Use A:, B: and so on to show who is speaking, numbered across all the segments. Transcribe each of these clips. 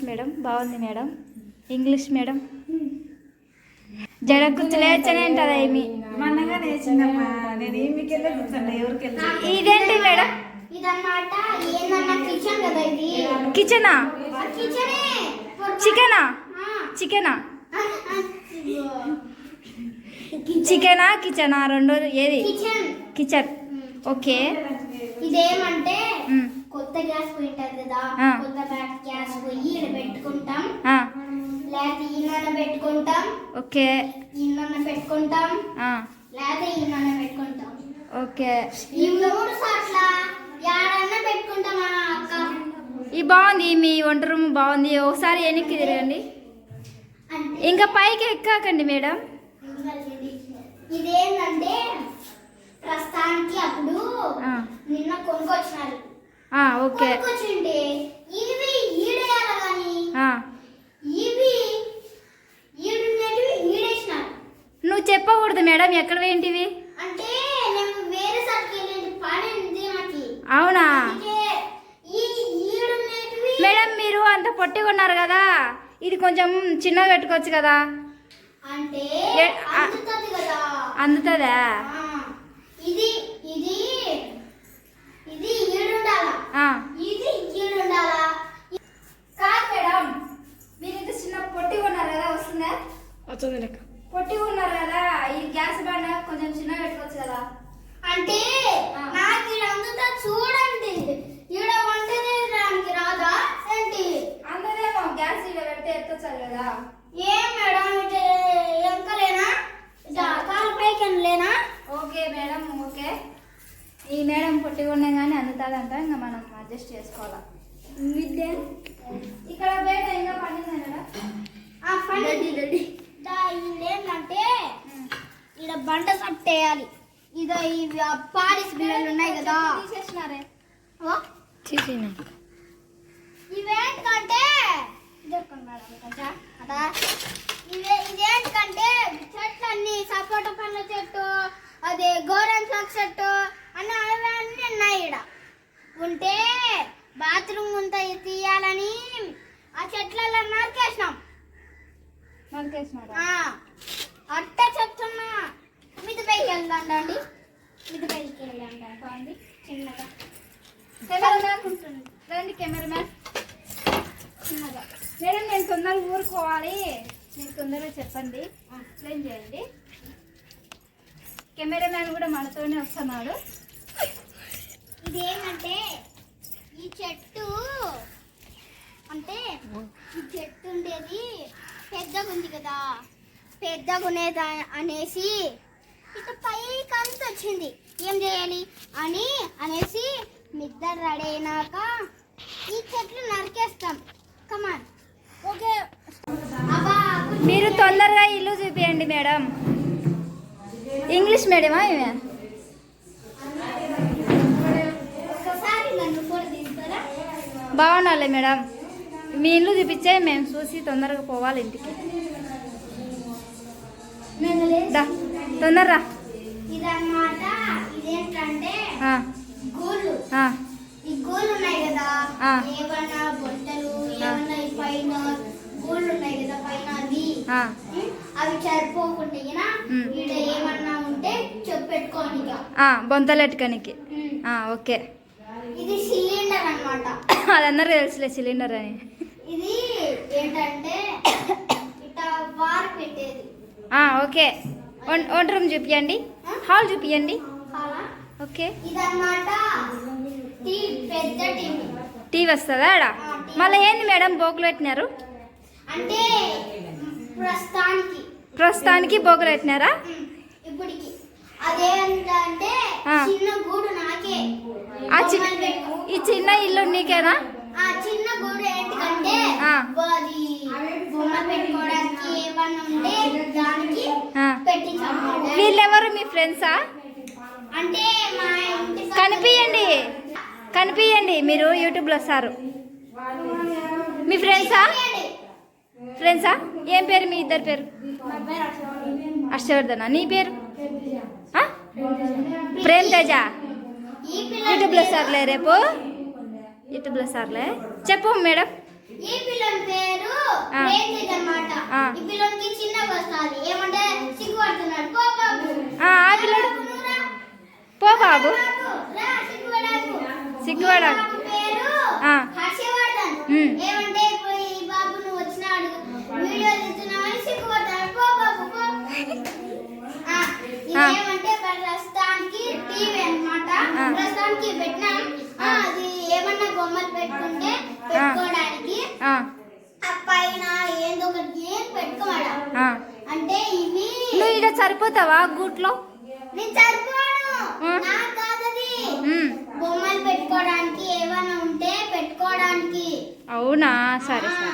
A: Madam బాగుంది madam. English madam జడ కుచ్చు లేచనే అంటారా ఏమి ఇదేంటి మేడం? కిచెనా చికెనా చికెనా చికెనా కిచెనా రెండు ఏది? కిచెన్. ఓకే.
B: ఇదేమంటే కొత్త గ్యాస్ పోయింటది కదా, కొత్త గ్యాస్ పోయి ఇక్కడ పెట్టుకుంటాం, లేకపోతే ఈయన పెట్టుకుంటాం.
A: ఓకే.
B: ఈయన పెట్టుకుంటాం, లేకపోతే ఈయన పెట్టుకుంటాం.
A: ఓకే.
B: ఈ మూడు సార్ల యాడన్నా పెట్టుకుంటామా అక్క?
A: ఈ బాగుంది, మీ వంట రూమ్ బాగుంది. ఒకసారి వెనక్కి తిరగండి, ఇంకా పైకి ఎక్కాకండి మేడం.
B: ఇదేంటంటే ప్రస్తుతానికి అప్పుడు నిన్న కొనుక్కొచ్చినారు.
A: ఓకే.
B: కొనుక్కొచ్చింటే ఇవి ఈడేయాల కానీ ఇవి ఈడున్నటివి ఈడేసినారు.
A: నువ్వు చెప్పకూడదు మేడం ఎక్కడ ఏంటివి
B: అంటే నేను వేరే సార్కి వెళ్ళేది పని ఉంది నాకు.
A: అవునా మేడం? మీరు అంత పొట్టిగా ఉన్నారు కదా, ఇది కొంచెం చిన్నగా పెట్టుకోవచ్చు కదా.
B: అంటే అందుతది కదా.
A: అందుతుందా?
B: ఇది ఇది ఇది ఈడుండాలా, ఇది ఈడుండాలా.
A: కాదు మేడం, మీరు ఇంత చిన్న పొట్టిగా ఉన్నారు కదా, వస్తుందా?
C: వస్తుంది లెక్క.
A: పొట్టిగా ఉన్నారు కదా, ఈ గ్యాస్ బండ కొంచెం చిన్నగా పెట్టుకోవచ్చు కదా.
B: అంటే నాకు ఇది అందుతా చూడండి, ఈడ వంట చేయడానికి రాదా ఏంటి?
A: అందరేమో గ్యాస్ ఈడ పెడితే ఎత్తొచ్చారు కదా.
B: ఏం మేడం ఎంకలేనా, కాలు పైకి లేనా?
A: Okay madam, okay. ఈ మేడం పొట్టిగా ఉన్నాయి కానీ అందుతుందంట, ఇంకా మనం అడ్జస్ట్ చేసుకోవాలా. ఇక్కడ బయట ఇంకా పండింది మేడం.
B: ఏంటంటే ఇక్కడ బండ కట్టేయాలి. ఇదో ఇవి పాలిస్ బిళ్ళలు ఉన్నాయి కదా,
A: తీసేసినారే.
B: ఇవేంటంటే ఇదేంటంటే చెట్లు అన్ని సపోటా పండ్ల చెట్టు, అదే గోరెన్ ఫ్లక్ చెట్టు అన్నీ అవన్నీ ఉన్నాయి. ఇక్కడ ఉంటే బాత్రూమ్ అంతా తీయాలని ఆ చెట్లలో నరికేసినాం. అట్ట చెప్తున్నా. మిది పైకి వెళ్దాండి, మిది పైకి వెళ్ళండి చిన్నగా.
A: రండి కెమెరామ్యాన్, చిన్నగా. మేడం నేను తొందరగా ఊరుకోవాలి, మీరు తొందరగా చెప్పండి, ఎక్స్ప్లెయిన్ చేయండి. కెమెరామ్యాన్ కూడా మనతోనే వస్తున్నాడు.
B: ఇదేమంటే ఈ చెట్టు అంటే ఈ చెట్టు ఉండేది పెద్దగా ఉంది కదా, పెద్దగా ఉండేది అనేసి ఇట్లా పైకి అంత వచ్చింది. ఏం చేయాలి అని అనేసి మిద్దరు రెడీ అయినాక ఈ చెట్లు నరికేస్తాం. కమాన్. ఓకే.
A: మీరు తొందరగా ఇల్లు చూపియండి మేడం. ఇంగ్లీష్ మీడియమా ఇవే?
B: ఒకసారి నన్ను కూడా తీస్తారా?
A: బాగున్నాలే మేడం, మీ ఇల్లు చూపించే మేము చూసి తొందరగా పోవాలి ఇంటికి. తొందరరా.
B: ఇదన్నమాట. ఇదేంటంటే గోళ్ళు. ఈ గోళ్ళు ఉన్నాయి కదా, ఏమన్నా బొట్టలు ఏమన్నా పైన గోళ్ళు ఉన్నాయి కదా, పైన అవి సరిపోకుండా ఇక్కడ ఏమన్నా ఉంటే చెప్పెట్టుకోని
A: బొంతలెట్టుకోనికి. ఓకే.
B: ఇది సిలిండర్ అన్నమాట.
A: అది అందరూ తెలుసులే సిలిండర్ అని.
B: ఇది ఏంటంటే ఇట్లా వారు పెట్టేది.
A: ఓకే. వంట రూమ్ చూపియండి, హాల్ చూపియండి. ఓకే.
B: ఇదన్నమాట పెద్ద
A: టీవీ వస్తుందా ఆడ? మళ్ళీ ఏంది మేడం బోకులు పెట్టినారు?
B: అంటే
A: ప్రస్తుతానికి బోకులు పెట్టినారా?
B: ఇప్పటికి అదేంటంటే చిన్న గూడు నాకే.
A: ఈ చిన్న ఇల్లు నీకేనా?
B: ఆ చిన్న గూడు ఏంటంటే అది బొమ్మ పెట్టుకోవడానికి ఏమన్నా ఉంటే దానికి పెట్టించాము.
A: వీళ్ళెవరు మీ ఫ్రెండ్సా?
B: అంటే మా ఇంటి
A: కనిపియండి, మీరు యూట్యూబ్లో వస్తారు. మీ ఫ్రెండ్సా? ఏం పేరు మీ ఇద్దరు పేరు? హర్షవర్ధన. నీ పేరు? ప్రేమ్ తేజ. యూట్యూబ్లో సార్లే, రేపు యూట్యూబ్లో సార్లే. చెప్పు మేడం.
B: ఈ పిల్లని పేరు రేంజిత్ అన్నమాట. ఈ పిల్లని చిన్నగా వస్తుంది ఏమంటే సిగ్గుపడుతున్నాడు. పో బాబు.
A: ఆ పిల్లడు పో బాబు సిగ్గుపడా.
B: పేరు హర్షవర్ధన్. ఏమంటే ఇప్పుడు ఈ బాబు నువ్వు వచ్చినాడు వీడియో తీస్తున్నావని సిగ్గుపడతాడు. పో బాబు పో. ఇదేమంటే ప్రస్తుతానికి టీవీ అన్నమాట. ప్రస్తుతానికి పెట్టినాం. అది ఏమన్నా బొమ్మలు పెట్టుకుంటే పెట్టుకోవడానికి పైన ఏందో ఒకటి ఏం పెట్టుకోవాలా అంటే ఇవి.
A: నువ్వు ఇక సరిపోతావా గూట్లో?
B: నేను సరిపోను, నాకు కాదది. బొమ్మలు పెట్టుకోవడానికి ఏమైనా ఉంటే పెట్టుకోవడానికి.
A: అవునా సరే సరే.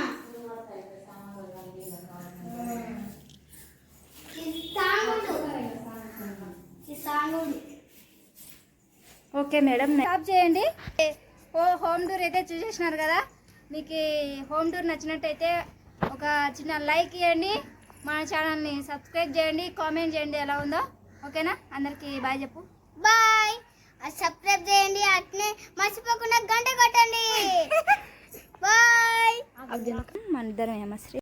A: ఓకే మేడం స్టాప్ చేయండి. హోమ్ టూర్ అయితే చూసేసినారు కదా. మీకు హోమ్ టూర్ నచ్చినట్టయితే ఒక చిన్న లైక్ ఇవ్వండి, మన ఛానల్ని సబ్స్క్రైబ్ చేయండి, కామెంట్ చేయండి ఎలా ఉందో. ఓకేనా? అందరికీ బాయ్ చెప్పు.
B: బాయ్. సబ్స్క్రైబ్ చేయండి, అట్నే మర్చిపోకుండా గంట కొట్టండి. బాయ్.
A: మన ఇద్దరం ఏమశ్రీ.